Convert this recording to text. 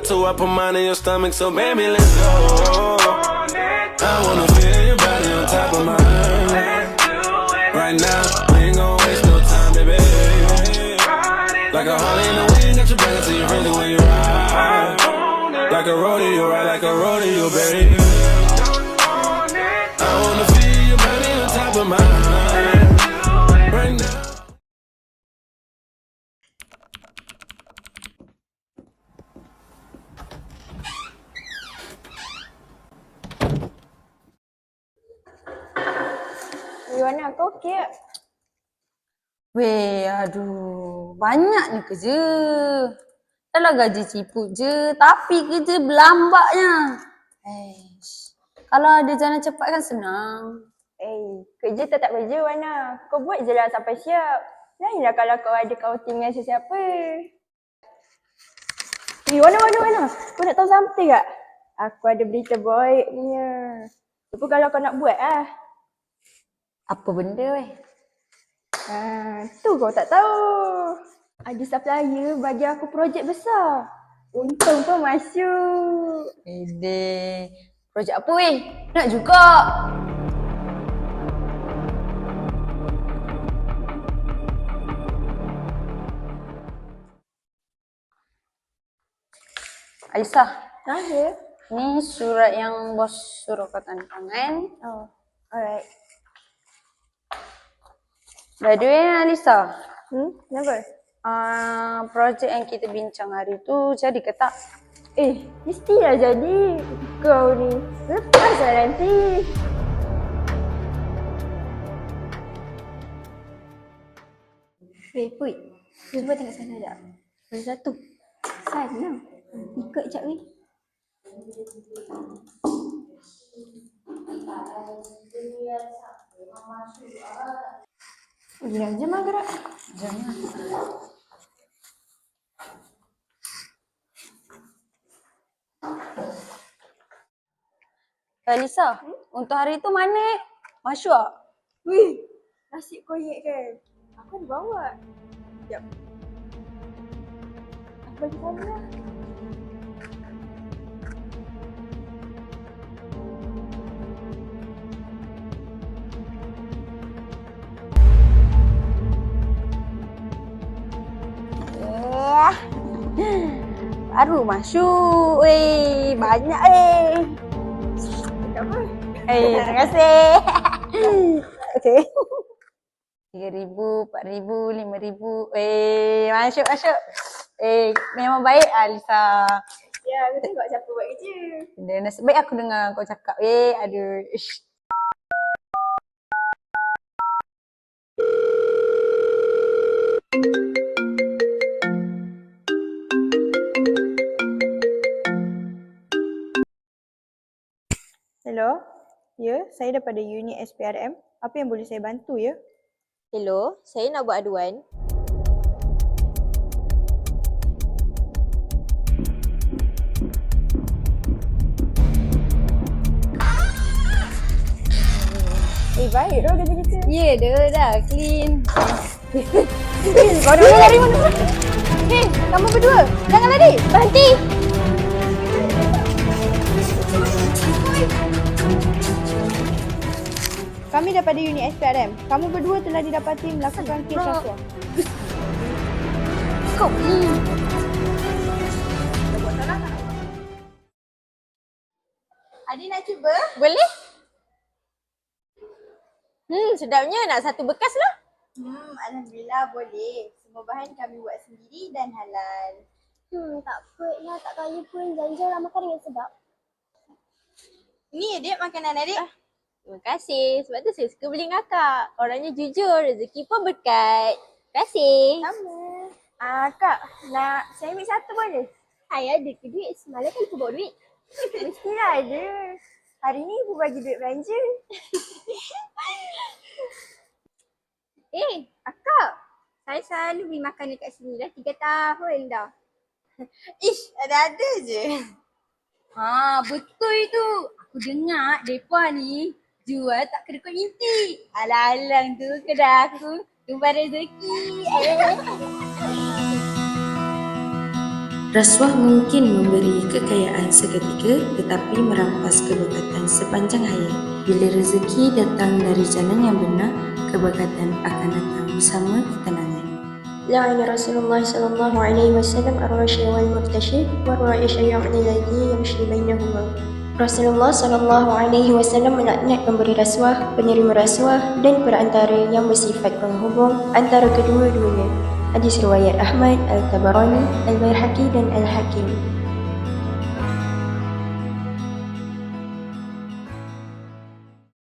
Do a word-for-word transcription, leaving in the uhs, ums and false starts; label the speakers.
Speaker 1: two, I put mine in your stomach, so baby, let's go. I wanna feel your body on top of mine. Right now, we ain't gon' waste no time, baby. Like a Harley in the wind, got your back until you're ready when you ride. Like a rodeo, ride like a rodeo, baby. I wanna feel your body on top of mine. Right now.
Speaker 2: Yuana, kau okey tak?
Speaker 3: Weh, aduh. Banyaknya kerja. Dalam gaji ciput je. Tapi kerja berlambaknya. Eish. Kalau ada jalan cepat kan senang.
Speaker 2: Eh, kerja tetap kerja Wana. Kau buat je lah sampai siap. Lainlah kalau kau ada outing dengan sesiapa. Eh, Wana, Wana, Wana. Kau nak tahu something tak? Aku ada berita baik punya. Lupa kalau kau nak buat lah.
Speaker 3: Apa benda weh?
Speaker 2: Ha, tu kau tak tahu. Ada supplier bagi aku projek besar. Untung kau masuk.
Speaker 3: Ede. Projek apa weh? Nak juga. Aisyah.
Speaker 2: Ha, ya?
Speaker 3: Ni surat yang bos suruh kau tanda tangan.
Speaker 2: Oh, alright.
Speaker 3: By the way, Alisa.
Speaker 2: Hmm, kenapa?
Speaker 3: Uh, projek yang kita bincang hari tu jadi ke tak?
Speaker 2: Eh, mestilah jadi. Kau ni lepaslah nanti. Weh, Put. Cuba tengok sana sekejap. Ada satu. Sana. Ikut sekejap weh. Gila, jom lah gerak.
Speaker 3: Jom lah. Alisa, hmm? Untuk hari tu mana? Masuk tak?
Speaker 2: Wih, nasib kau ingat kan? Aku ada bawa. Sekejap. Aku bagi sana lah.
Speaker 3: Baru masuk. Weh, banyak eh.
Speaker 2: Tak apa.
Speaker 3: Eh, terima kasih.
Speaker 2: Okey.
Speaker 3: tiga ribu, empat ribu, lima ribu. Eh, masuk, masuk. Eh, memang baik Alisa.
Speaker 2: Ya, aku tengok siapa buat kerja.
Speaker 3: Dan nasib baik aku dengar kau cakap. Eh, aduh. Ish.
Speaker 2: Hello? Ya, saya daripada unit S P R M. Apa yang boleh saya bantu ya?
Speaker 4: Hello, saya nak buat aduan.
Speaker 2: Eh, baik dah kerja kita.
Speaker 3: Ya, dah dah clean.
Speaker 2: Kau dah lari mana? Hei, kamu berdua. Jangan lari. Berhenti. Kami daripada unit S P R M. Kamu berdua telah didapati melakukan kes rasuah.
Speaker 3: Kau ni.
Speaker 4: Adik nak cuba? Boleh? Hmm, sedapnya. Nak satu bekas lah.
Speaker 2: Hmm, Alhamdulillah boleh. Semua bahan kami buat sendiri dan halal.
Speaker 5: Hmm, tak apa lah. Tak kaya pun jangan lah makan dengan sedap.
Speaker 4: Ni adik makanan adik. Ah, terima kasih. Sebab tu saya suka beli dengan akak. Orangnya jujur. Rezeki pun berkat. Terima kasih.
Speaker 2: Sama. Ah, Kak, nak saya ambil satu boleh?
Speaker 5: Hai, ada ke duit? Semalam kan aku bawa duit.
Speaker 2: Mestilah ada. Hari ni ibu bagi duit belanja.
Speaker 5: Eh, akak. Saya selalu beli makan dekat sini dah tiga tahun dah.
Speaker 4: Ish, ada-ada je.
Speaker 3: Ha, betul itu. Aku dengar depa ni jual tak kedekut inti. Alang-alang tu kedai aku tumpah rezeki. Eh.
Speaker 6: Rasuah mungkin memberi kekayaan seketika tetapi merampas keberkatan sepanjang hayat. Bila rezeki datang dari jalan yang benar, keberkatan akan datang bersama ketenangan.
Speaker 7: لعن رسول الله صلى الله عليه وسلم الراشي والمرتشي والرائش يعني الذي يمشي بينهما. Rasulullah sallallahu alaihi wasallam melaknat pemberi rasuah, penerima rasuah dan perantara yang bersifat penghubung antara kedua-duanya. Hadis riwayat Ahmad, Al-Tabarani, Al-Baihaqi dan Al-Hakim.